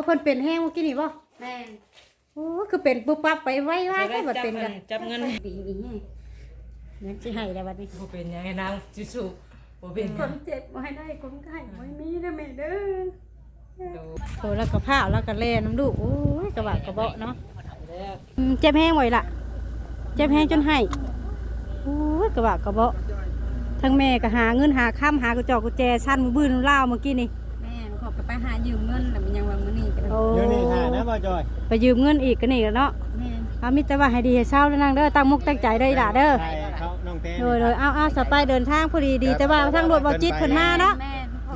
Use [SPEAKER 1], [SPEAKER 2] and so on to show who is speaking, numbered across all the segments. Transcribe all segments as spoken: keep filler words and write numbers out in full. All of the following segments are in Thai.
[SPEAKER 1] เพิ่นเป็นแห้งเมื่อกี้นี่บ่
[SPEAKER 2] แม่น
[SPEAKER 1] โอ้คือเป็นปุ๊บปั๊บไปไวไวก็บ่เป็นกัน
[SPEAKER 3] จับเงิน
[SPEAKER 2] ดีดีให้
[SPEAKER 1] เงินสิให้แล้วบัดนี้
[SPEAKER 3] บ่เป็นยังไงนางจิสุบ่เป็น
[SPEAKER 2] คนเจ็บบ่ให้ได้คนไข้บ่มีเด้อแม่เด้อ
[SPEAKER 1] โอ้แล้วก็ผ้าแล้วก็แล่น้ำลูกโอ้ยกระบะกระเบาะเนาะอืมเจ็บแห้งไว้ล่ะเจ็บแห้งจนให้โอ้ยกระบะกระเบาะทั้งแม่ก็หาเงินหาค่ำหากระจอกกระแจชั้นมือบื้นเล่าเมื่อกี้นี่
[SPEAKER 2] แม่ขอกไปหายืมเงินแล้วมันยังว่ามื้อนี้ก็
[SPEAKER 1] โอ้
[SPEAKER 4] เดี๋ยวนี้หานะบ่จอย
[SPEAKER 1] ไปยืมเงินอีกกันนี่แล้วเนาะ
[SPEAKER 2] แม่
[SPEAKER 1] เอามิแต่ว่าให้ดีให้เศร้าแล้วนางเด้อตั้งมุกตั้งใจเด้ออีหล่ะเด้อ
[SPEAKER 4] ใช่เขาน้องเต้
[SPEAKER 1] โดยโดยเอาเอาสไปเดินทางพอดีดีแต่ว่าทางรถบ่จิตเพิ่นมาเนาะ
[SPEAKER 2] แม่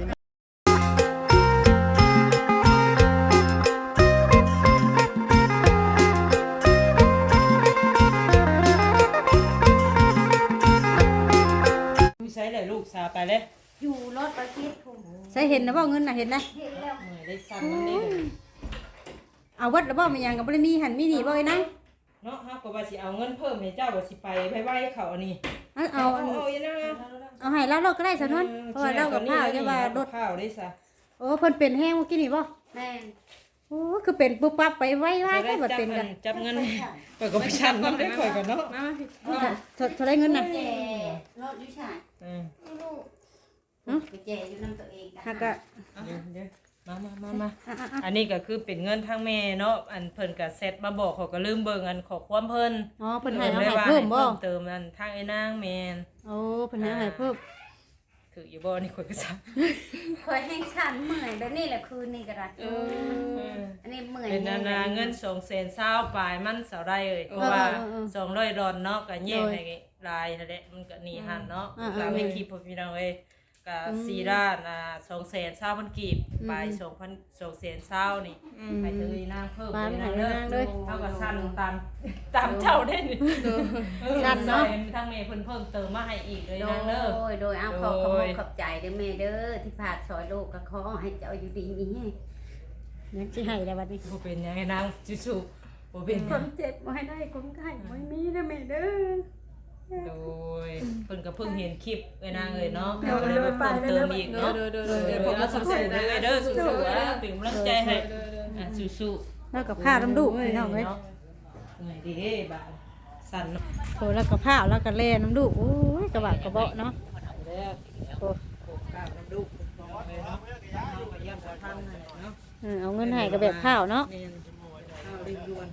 [SPEAKER 3] มีใช้เลยลูกสาไปเลย
[SPEAKER 2] อยู่รถประชิดผม
[SPEAKER 1] ใส่เห็นนะบ่เงินน่ะเห็นนะ
[SPEAKER 2] เห็นแล้ว
[SPEAKER 3] เมื่อยได้สั่นมันนี่
[SPEAKER 1] เอาวัดแล้วบ่มีหยังก็บ่ได้มีหันมีนี่บ่ไอ้นาง
[SPEAKER 3] เนาะเฮาก็ว่าสิเอาเงินเพิ่มให้เจ้าว่าสิไปไว้ๆเขาอันนี้
[SPEAKER 1] เอาเอา
[SPEAKER 3] เอาเอาอีนะ
[SPEAKER 1] เอาให้เราเราก็ได้ซะนวนเพราะว่าเรากับข้าวจะว่ารถ
[SPEAKER 3] ข้าวได้ซะ
[SPEAKER 1] โอ้เพิ่นเป็นแห้งเมื่อกี้นี่บ่
[SPEAKER 2] แม่
[SPEAKER 1] โอ้คือเป็นปุ๊บปั๊บไปไวไวก็บ่
[SPEAKER 3] จับ
[SPEAKER 1] เป็น
[SPEAKER 3] เงิ
[SPEAKER 1] กัน น
[SPEAKER 3] จับเงินเปิดก็ไปชั่นมันได้ข่อยกันเนาะ
[SPEAKER 1] มามาเท่าไรเงินน่ะ
[SPEAKER 2] แจรถอยู่ชาย
[SPEAKER 3] อืม
[SPEAKER 2] ไปแจอยู่นำตัวเอง
[SPEAKER 1] หากะ
[SPEAKER 3] เดี๋ยวเดี๋ยวมามามามา
[SPEAKER 1] อ่ะ
[SPEAKER 3] อันนี้ก็คือเป็นเงินทางแม่เนาะอันเพิ่นก็เซตมาบอกเขาก็ลืมเบิ่งอันขอความเพิ่น
[SPEAKER 1] ๆอ๋อเพิ่นให้เราให้เพิ่มบ่
[SPEAKER 3] เติมอันทางไอ้นางแม่น
[SPEAKER 1] โอ้เพิ่นให้ให้เพิ่ม
[SPEAKER 3] ถืออยู่บ่นี่ข่อยก็ซัก
[SPEAKER 2] คอยให้ฉันเมื่อยแบบนี้แหละคืนนี้ก็ได้
[SPEAKER 3] เออ
[SPEAKER 2] อันนี้เมื่อย
[SPEAKER 3] เป็นนานาเงินสองแสนเศร้าปลายมันเสาได้เลยเพราะว่าสองร้อยดอนเนาะก็แยกให้ลายนั่นแหละมันก็หนีหันเนาะก็ไม่คิดพอพี่น้องเอ้ยก็สี่ด้านอ่าสองแสนเศร้ามันกีบปลายสองพันสองแสนเศร้านี่ไปเจอนางเพิ่มไปนางเลยเท่ากับสั้นตามตามเจ้าได้นี่สั้นเนาะทางเมย์เพิ่นเพิ่มเติมมาให้อีกเลย
[SPEAKER 2] โด
[SPEAKER 3] นางเด้อย
[SPEAKER 2] โดยเอาขอขอบขอบใจเด้อแม่เด้อที่พาสอยลูกก็ขอให้เจ้าอยู่ดีมีแฮง
[SPEAKER 1] เงินสิให้แล้วบัดนี้
[SPEAKER 3] บ่เป็นยังไงนางจิสุบ่เป็น
[SPEAKER 2] คนเจ็บบ่ให้ได้คนไข้บ่มีเด้อแม่เด้อ
[SPEAKER 3] โดยเพิ่นก็เพิ่งเห็นคลิปเอ้ยนางเอ้ยเนาะก็เลยมาเพิ่มเติมอีกเนาะเดี๋ยวผมก็สู้ๆเลยเด้อสู้ๆอ่ะเป็นกำลังใจให้อ่ะสู้ๆ
[SPEAKER 1] แล้วกับผ้าน้ำลูกพี่น้องเอ้ย
[SPEAKER 3] เหนื่อยดิบ่าสั่นเนาะ
[SPEAKER 1] โอ้แล้วกับผ้าแล้วก็แล่น้ำลูกโอ้ยกระบะกระเบาะเนาะ
[SPEAKER 3] แล้ว
[SPEAKER 1] โอ้
[SPEAKER 3] โขกกราบน้ำลูกเลยเนาะเอาไปเยี่ยมขอท่านนั่นแหละเนาะ
[SPEAKER 1] เออเอาเงินให้กับแบบข้าวเนาะ
[SPEAKER 3] แม่นข้าวรีบด่วน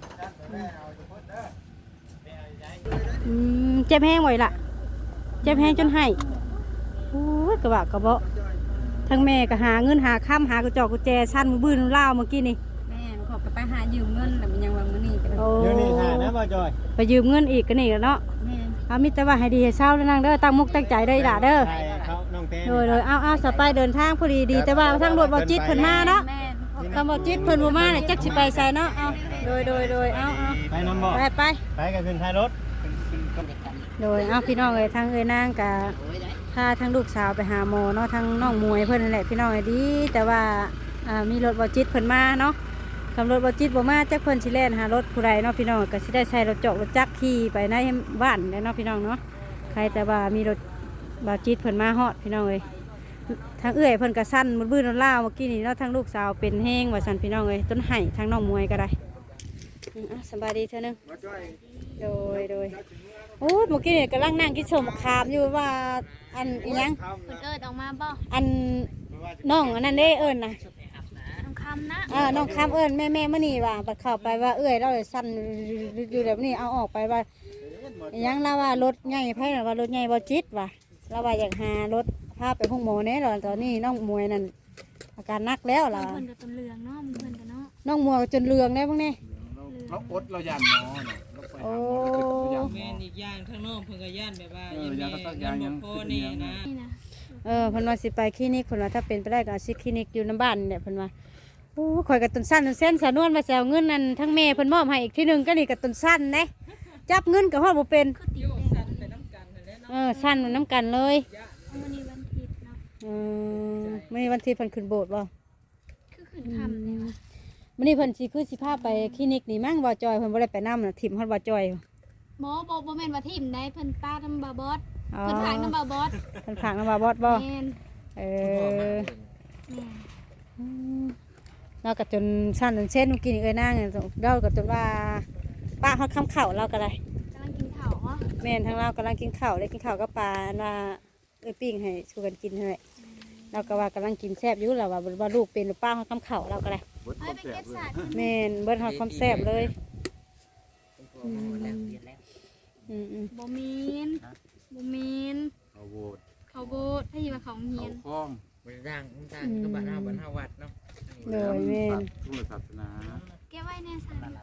[SPEAKER 1] อืมเจ็บแห้งไว้ล่ะเจ็บแห้งจนให้โอ้ยกระบะกระเบาะทั้งแม่ก็หาเงินหาค่ำหากระจอกกระแจชั้นมือบื้นเล่าเมื่อกี้นี่
[SPEAKER 2] แม่ขอกไปหายืมเงินแล้วมันยังว่ามื้อนี้ก็ได้
[SPEAKER 1] โอ้
[SPEAKER 4] เดี๋ยวนี้หานะบ่จอย
[SPEAKER 1] ไปยืมเงินอีกกันนี่แล้วเนาะ
[SPEAKER 2] แม่
[SPEAKER 1] เอามิแต่ว่าให้ดีให้เศร้าแล้วนางเด้อตั้งมุกตั้งใจเด้ออีหล่ะเด้อ
[SPEAKER 4] ใช่เขาน้องเต้
[SPEAKER 1] โดยโดยเอาเอาสไปเดินทางพอดีดีแต่ว่าทางรถบ่จิตเพิ่นมาเนาะ
[SPEAKER 2] แม่
[SPEAKER 1] ทางบ่จิตเพิ่นบ่มาเนี่ยจักสิไปไสเนาะเอาโดยโดยโดยเอาเอา
[SPEAKER 4] ไปน้ำบ่
[SPEAKER 1] ไปไป
[SPEAKER 4] ไปกับขึ้นท้ายรถ
[SPEAKER 1] โดยเอาพี่น้องเอ้ยทางเอ้ยนางกะพาทางลูกสาวไปหาหมอเนาะทางน้องมวยเพิ่นนั่นแหละพี่น้องเอ้ยดี แต่ว่าอ่ามีรถบ่จิตเพิ่นมาเนาะคำรถบ่จิตบ่มาจักเพิ่นสิแล่นหารถผู้ใดเนาะพี่น้องก็สิได้ใช้รถจอกรถจักรขี่ไปในบ้านเนาะพี่น้องเนาะใครแต่ว่ามีรถบ่จิตเพิ่นมาฮอดพี่น้องเอ้ยทางเอื้อยเพิ่นก็สั่นมืดบื้นล่าวเมื่อกี้นี่เนาะทางลูกสาวเป็นแห้งว่าซั่นพี่น้องเอ้ยต้นไห้ทางน้องมวยก็ได้อืมอ่ะสบายดีเท่านึงโดยโดยโอ้เมื่อกี้นี่กำลังนั่งกินสมคามอยู่ว่าอันอิหยัง
[SPEAKER 2] เพิ่นเอิ้นออกมาบ่
[SPEAKER 1] อันน้องอันนั้นเด้เอิ้นนะ
[SPEAKER 2] น้องคำนะ
[SPEAKER 1] อ่าน้องคามเอิ้นแม่แม่มื่อนี่ว่าบัดเข้าไปว่าเอ้ยเราเลยสั่นอยู่แบบนี้เอาออกไปว่าอิหยังเราว่ารถใหญ่ไพ่ว่ารถใหญ่บ่จิตว่ะเราว่าอยากหารถพาไปห้องหมอเนี่ยเราตอนนี้น้องมวยนั่นอาการหนักแล้วล่ะ
[SPEAKER 2] เพิ่นก็ต้นเหลืองเนาะเพิ่นก็เนาะ
[SPEAKER 1] น้องมวยจนเรืองได้พวกนี้
[SPEAKER 5] เราอดเรายันหมอเนาะเราไป
[SPEAKER 1] โอ้
[SPEAKER 5] หา
[SPEAKER 3] แม่นอีกอย่างข้างนอกเพิ่นก็ย่านแบบว่า
[SPEAKER 5] เออ
[SPEAKER 3] ยั
[SPEAKER 5] ยาง
[SPEAKER 3] มี
[SPEAKER 5] ก็ต้อง
[SPEAKER 3] เงิ
[SPEAKER 5] ยาน ง
[SPEAKER 3] บ่
[SPEAKER 5] ยัง
[SPEAKER 3] พอนี่นะ
[SPEAKER 2] นี่นะ
[SPEAKER 1] เออเพิ่นว่าสิไปคลินิกเพิ่นว่าถ้าเป็นไปได้ก็เอาสิคลินิกอยู่น้ำบ้านเนี่ยเพิ่นว่าโอ้ข่อยกับต้นสั้นต้นเส้นสะนวนมาแซวเงินนั่นทั้งแม่เพิ่นมอบให้อีกที่หนึงก็นี่กับต้นสั้นนะจับเงินกับฮอดบ่เป็น
[SPEAKER 2] คือติดแดง
[SPEAKER 3] ไปน้ำกันนั่นแหละเนาะ
[SPEAKER 1] เออสั้นมันน้ำกันเลย
[SPEAKER 2] มื้อนี้วันอาทิตย์เนาะ
[SPEAKER 1] เออมื้อนี้วันที่เพิ่นขึ้นโบสถ์บ่
[SPEAKER 2] คือขึ้นค่ำเลยว่ะ
[SPEAKER 1] มื้อนี้เพิ่นสิคือสิพาไปคลินิกนี่มั้งบ่จอยเพิ่นบ่ได้ไปนำน่ะถิ่มฮอดบ่จอย
[SPEAKER 2] หมอบ่บ่แม่นว่าทิ่มได้เพิ่นป้าน้ำบาบอส
[SPEAKER 1] อ๋อ
[SPEAKER 2] เพิ่นฝากน้ำบาบอส
[SPEAKER 1] เพิ่นฝากนำบ่บอสบ่
[SPEAKER 2] แม่น
[SPEAKER 1] เออ
[SPEAKER 2] แม่น
[SPEAKER 1] อืมเราก็จนสั้นจนเช่นกินเอ้ยนางเราก็จนว่าป้าฮอดคำเข่าเราก็ได้
[SPEAKER 6] กำลังกินข้าวเหรอ
[SPEAKER 1] แม่นทางเรากำลังกินข้าวเลยกินข้าวกับปลาว่าเอ้ยปิ้งให้ช่วยกันกินให้เราก็ว่ากำลังกินแซ่บอยู่แล้วว่าว่าลูกเป็นหรือป้าฮอดคำเข่าเราก็ได้
[SPEAKER 5] เบิดค
[SPEAKER 6] เฮ้
[SPEAKER 5] วาย ม
[SPEAKER 6] ไป
[SPEAKER 5] แซ่
[SPEAKER 6] เก็
[SPEAKER 5] บบ เลย
[SPEAKER 6] สาด
[SPEAKER 1] แม่นเบิ้ลฮอดความแซ่บเลย
[SPEAKER 2] โอ้โหแล้วเรียนแล้ว
[SPEAKER 1] อืมอืม
[SPEAKER 6] บ่มีนบ่มีน
[SPEAKER 5] เอาโหวต
[SPEAKER 6] เขาโบดถ้าอยู่ว่าเขาเฮี
[SPEAKER 5] เอา
[SPEAKER 6] ยน
[SPEAKER 5] คล้อง
[SPEAKER 7] บริร่างต่างก็บ้านเฮาบ้านเฮาวัดเนาะ
[SPEAKER 1] เลยแม่น
[SPEAKER 5] ทุกศาสนา
[SPEAKER 6] เก็บไว้ในสาด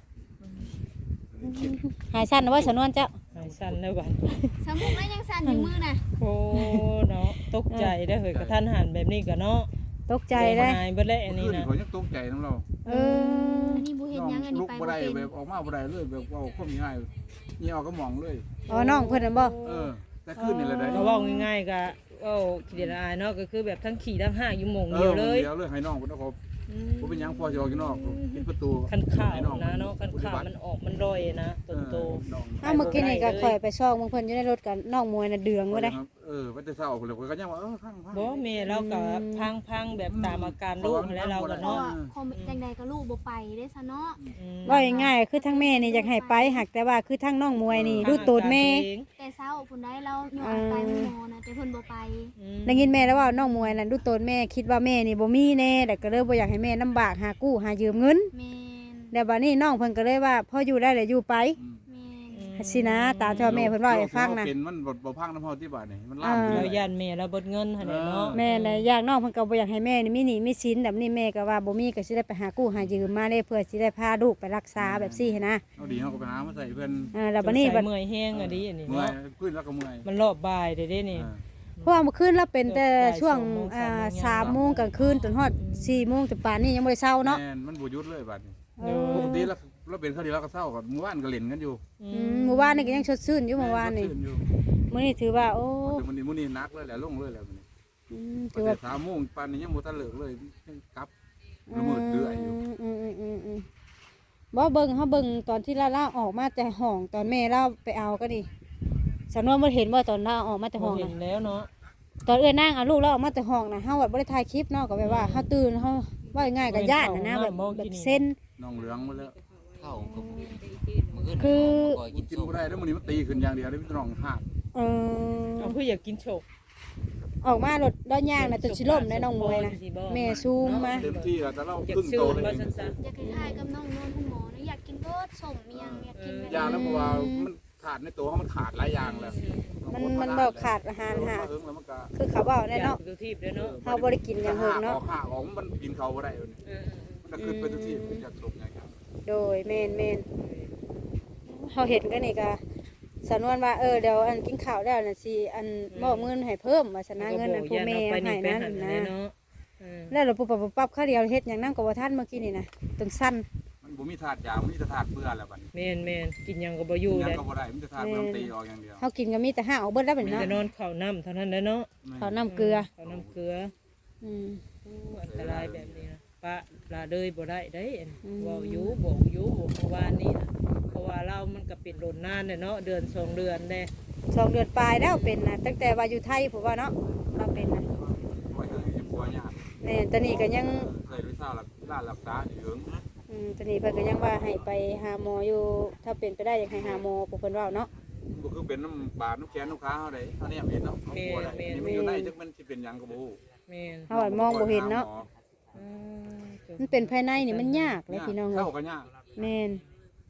[SPEAKER 1] หายสั้นนะว่าสนวนเจ้า
[SPEAKER 3] หายสั่นในวัน
[SPEAKER 6] สมุกแล้วยังสั่นอยู่มือน่ะ
[SPEAKER 3] โอ้เนาะตกใจได้อเฮ้ยกระทันหันแบบนี้ก็เนาะ
[SPEAKER 1] ตกใจเลย
[SPEAKER 3] หายเบิดแล้วอันนี้
[SPEAKER 5] ขึ้น
[SPEAKER 3] นะ
[SPEAKER 5] เขายังตกใจน้ำเรา
[SPEAKER 1] เออ
[SPEAKER 6] อันนี้บ่เห็นหยังอันนี้
[SPEAKER 5] ลุก
[SPEAKER 6] ไป
[SPEAKER 5] บ่
[SPEAKER 6] บ่
[SPEAKER 5] ได้
[SPEAKER 6] เป็น
[SPEAKER 5] แบบออกมาบ่ได้เลยแบบเอาข้อมีง่ายนี่เอาก็มองเลย
[SPEAKER 1] อ๋อน้องเพิ่นน่ะบ่
[SPEAKER 5] เออ แต่ขึ้นนี่แหละได้
[SPEAKER 3] ก็เว้าง่ายๆก็เว้าขี้เดียดอายเนาะก็คือแบบทั้งขี่ทั้งห้างอยู่หม่อง
[SPEAKER 5] เอ
[SPEAKER 3] เดี
[SPEAKER 5] อ
[SPEAKER 3] ยวเลย
[SPEAKER 5] เดียวเลยให้น้องเพิ่นเอาเขาบ่เป็นหยังพอสิออกอยู่นอกปิดประตู
[SPEAKER 3] คันข่าว
[SPEAKER 5] ให้อง
[SPEAKER 3] นะเนาะคันข่าวมันออกมันร่อยนะต้นโต
[SPEAKER 5] น้อง
[SPEAKER 1] อ้าวเมื่อกี้นี่ก็ข่อยไปซอกมึงเพิ่นอยู่ในรถกันน้องมวยน่ะเดืองบ่ได้
[SPEAKER 5] เออว่าแต่เช้าพุ่นเลยก็ยังว่าเออพังพัง
[SPEAKER 3] บ่แม่เราก็พังๆแบบตามอาการลูกแล้วเราก็
[SPEAKER 6] เพราะ
[SPEAKER 3] เนาะ
[SPEAKER 6] ว่าคอมจังใดก็ลูกบ่ไปเด้ซะเนาะ
[SPEAKER 3] อืม
[SPEAKER 1] ว่าง่ายๆคือทั้งแม่นี่อยากให้ไปหักแต่ว่าคือทั้งน้องมวยนี่รู้ตูดแม่
[SPEAKER 6] แต่เช้าพุ่นได้เราย้อนไปหมอนะแต่เพิ่นบ่ไป
[SPEAKER 3] อืม
[SPEAKER 1] ได้ยินแม่แล้วว่าน้องมวยนั่นรู้ตูดแม่คิดว่าแม่นี่บ่มีแน่แต่ก็เลยบ่อยากให้แม่ลำบากหากู้หายืมเงิน
[SPEAKER 6] แม่น
[SPEAKER 1] แล้วบัดนี้น้องเพิ่นก็เลยว่าพออยู่ได้แล้วอยู่ไป
[SPEAKER 6] แม่น
[SPEAKER 1] สินะตามที่ว่าแม่เพิ่นว่าให้ฟังนะ
[SPEAKER 5] เป็นมันบ่บ่พังน้ำเฮาที่บ้านนี่มันลาม
[SPEAKER 1] อ่า
[SPEAKER 5] อยู่
[SPEAKER 3] เรา
[SPEAKER 5] เลย
[SPEAKER 3] ย่านแม่เราเบิดเงินหั่นแหละเนาะ
[SPEAKER 1] แม่น่ะอยากน้องเพิ่นก็บ่อยากให้แม่นี่มีหนี้มีสินแบบนี้แม่ก็ว่าบ่มีก็สิได้ไปหากู้หายืมมาได้เพื่อสิได้พาลูกไปรักษาแบบซี่หั้นนะ
[SPEAKER 5] เอาดีเฮาก็ไปหามาใส่เพิ่น
[SPEAKER 1] อ่าแล้วบัดนี้บัด
[SPEAKER 3] เมื่อยแห้งอะดิอันนี้
[SPEAKER 5] เมื่อย
[SPEAKER 3] เนาะ
[SPEAKER 5] ขึ้นแล้วก็เมื่อย
[SPEAKER 3] มันรอบบ่ายเด้เด้นี่
[SPEAKER 5] อ่า
[SPEAKER 1] เพราะว่าเมื่อคืนเราเป็นแต่ช่วง
[SPEAKER 3] บ่าย
[SPEAKER 1] อ่า
[SPEAKER 3] สามโมง
[SPEAKER 1] สามโมงกลางคืนจนฮอดสี่โมงจนป่านนี้ยังบ่ได้เช้าเนาะ
[SPEAKER 5] แม่นมันบ่หยุดเลยบัดนี้
[SPEAKER 1] เออ
[SPEAKER 5] ปกติแล้วเราเป็นคดีแล้วก็เศร้ากับเมื่อวานก็เล่นกันอยู่
[SPEAKER 3] อื
[SPEAKER 1] อื
[SPEAKER 3] ม
[SPEAKER 1] มเมื่อวานนี่ก็ยังสดชื่นอยู่เมื่อวานนี่
[SPEAKER 5] ชื่อยู่
[SPEAKER 1] มื้อนี้ถือว่าโอ้
[SPEAKER 5] แต่มื้อนี้มื้อนี้หนักเลยแหละลงเลยแหละมื้อนี้
[SPEAKER 1] อืม
[SPEAKER 5] ตั้
[SPEAKER 1] ถื
[SPEAKER 5] ง
[SPEAKER 1] อ
[SPEAKER 5] แต่
[SPEAKER 1] ว่า
[SPEAKER 5] สามโมงปานนี้ยังบ่ทันเลิกเลยยังกลับละเมิดเดือยอยู่
[SPEAKER 1] อืมอืมอืมอืมบ่เบิ่งเฮาเบิ่งตอนที่ลาล่าออกมาแต่ห้องตอนแม่เราไปเอาก็ดิสำนวนบ่เห็นว่าตอนลาออกมาแต่ห้อง
[SPEAKER 3] เห็
[SPEAKER 1] น่ะ
[SPEAKER 3] นแล้วเนาะ
[SPEAKER 1] ตอนเอื้อนั่งเอาลูกเราออกมาแต่ห้องน่ะเฮาแบบบ่ได้ถ่ายคลิปเนาะก็แบบว่าเฮาตื่นเฮาว่าง่ายๆก็ญาติน่ะนะแบบแบบเส้น
[SPEAKER 5] น้องเหลืองมาแล้ว
[SPEAKER 7] เข้าก็มื้ออื่น
[SPEAKER 1] คือ
[SPEAKER 7] ก็กิน
[SPEAKER 5] กิน
[SPEAKER 7] ส้ม
[SPEAKER 5] บ่ได้แล้วมื้อนี้มันตีขึ้นอย่างเดียวเลยมันน้องหัก
[SPEAKER 1] เออ
[SPEAKER 3] เอาคืออยากกินโชก
[SPEAKER 1] ออกมารถด้านย่างน่ะจนสิล่มได้น้องมวยนะแม่ซูมมา
[SPEAKER 5] เต็มที่แล้วแต่เรา
[SPEAKER 3] อยาก
[SPEAKER 5] ขึ้น
[SPEAKER 3] ซื้อ
[SPEAKER 5] โตเลย
[SPEAKER 3] บ่ซั่น
[SPEAKER 6] อยากคล้ายๆกับน้องนวลคุณหมอนะอยากกินเบิดสมเมียงอยากกินแบบ
[SPEAKER 5] ยางแล้วเพราะว่ามันขาดในตัวเขามันขาดหลายอย่างแล้ว
[SPEAKER 1] มันมันบ่ขาดอาหารหา
[SPEAKER 5] เอิ้งแล้วมันก็
[SPEAKER 1] คือเขาเว้า
[SPEAKER 3] ๆ
[SPEAKER 1] แน่เนาะ
[SPEAKER 3] ดูทีบด้วยเนาะ
[SPEAKER 1] เฮาบ่ได้กินอย่างเฮิงเนาะ
[SPEAKER 5] ออกหักออกมันกินเขาบ่ได้เลย
[SPEAKER 3] เออ
[SPEAKER 5] มันก็ขึ้นไปทุกที่มันอยากตกอย่างเงี้ย
[SPEAKER 1] โดยแม่นแม่นเฮาเห็นกันนี่ก็สำนวนว่าเออเดี๋ยวอันกินข้าวแล้วน่ะสิอันมอบเงินให้เพิ่มว่าชนะเงินอันผู้แม่
[SPEAKER 3] ไป
[SPEAKER 1] ให้
[SPEAKER 3] นี่ไป
[SPEAKER 1] นั่น
[SPEAKER 3] หัน
[SPEAKER 1] นะ
[SPEAKER 3] เนาะเออ
[SPEAKER 1] แล้วเราปุ๊บปั๊บปุ๊บปั๊บข้าวเดียวเฮ็ดหยังนั่งก็บ่ทันเมื่อกี้นี่นะต้นสั้น
[SPEAKER 5] มันบ่มีถาดยามันมีแต่ถาดเบื่อแล้วบัดนี้
[SPEAKER 3] แม่นแม่นกินหยังก็บ่อยู่
[SPEAKER 5] ยัง
[SPEAKER 3] เลย
[SPEAKER 5] ก็บ่ได้มันจะถาดมันตีออกอย่างเดียว
[SPEAKER 1] เฮากินก็มีแต่ห้าเอาเบิดแล้วบัด
[SPEAKER 3] มี
[SPEAKER 1] นี้
[SPEAKER 3] แต่
[SPEAKER 1] เนาะ
[SPEAKER 3] นอนข้าวน้ำเท่านั้นแหละเนาะ
[SPEAKER 1] ข้าวน้ำเกลือ
[SPEAKER 3] ข้าวน้ำเกลือ
[SPEAKER 1] อืม
[SPEAKER 3] อู้อันตรายแบบนี้นะปะลาเลยบ่ได้ได้อัน
[SPEAKER 1] อืม
[SPEAKER 3] เว้าอยู่บอกอยู่บอกเมื่อวานนี่นะเพราะว่าเรามันก็เป็นโดนนานเนี่ยเนาะเดือนสองเดือนเด้
[SPEAKER 1] สองเดือนปลายแล้วเป็นนะตั้งแต่ว่าอยู่ไทยผมว่าเนาะเราเป็นนะ
[SPEAKER 5] ไว้เรื่องที่ปัวยาก
[SPEAKER 1] แม่ตอนนี้ก็ยัง
[SPEAKER 5] เคยไปเศร้าหลักร้านรักษาอยู่เหิง
[SPEAKER 1] อืมตอนนี้เพิ่นก็ยังว่าให้ไปหาหมออยู่ ถ้าเป็นไปได้อยากให้หาหมอพวกเพิ่นเว้าเนาะ
[SPEAKER 5] บ่คือเป็นน้ำบาดน้ำแขนน้ำขาเฮาได้เฮาเนี่ยเห็นเนาะเขากลัวได้นี่มันอยู่ในจักมันสิเป็นหยังก็บ่ฮู้
[SPEAKER 3] แม่น
[SPEAKER 1] เฮาอะมองบ่เห็นเนาะ
[SPEAKER 3] อืม
[SPEAKER 1] มันเป็นภายในนี่มันยากเลยพี่น้องเอ้
[SPEAKER 5] เข้าย ก็ยาก
[SPEAKER 1] แม่น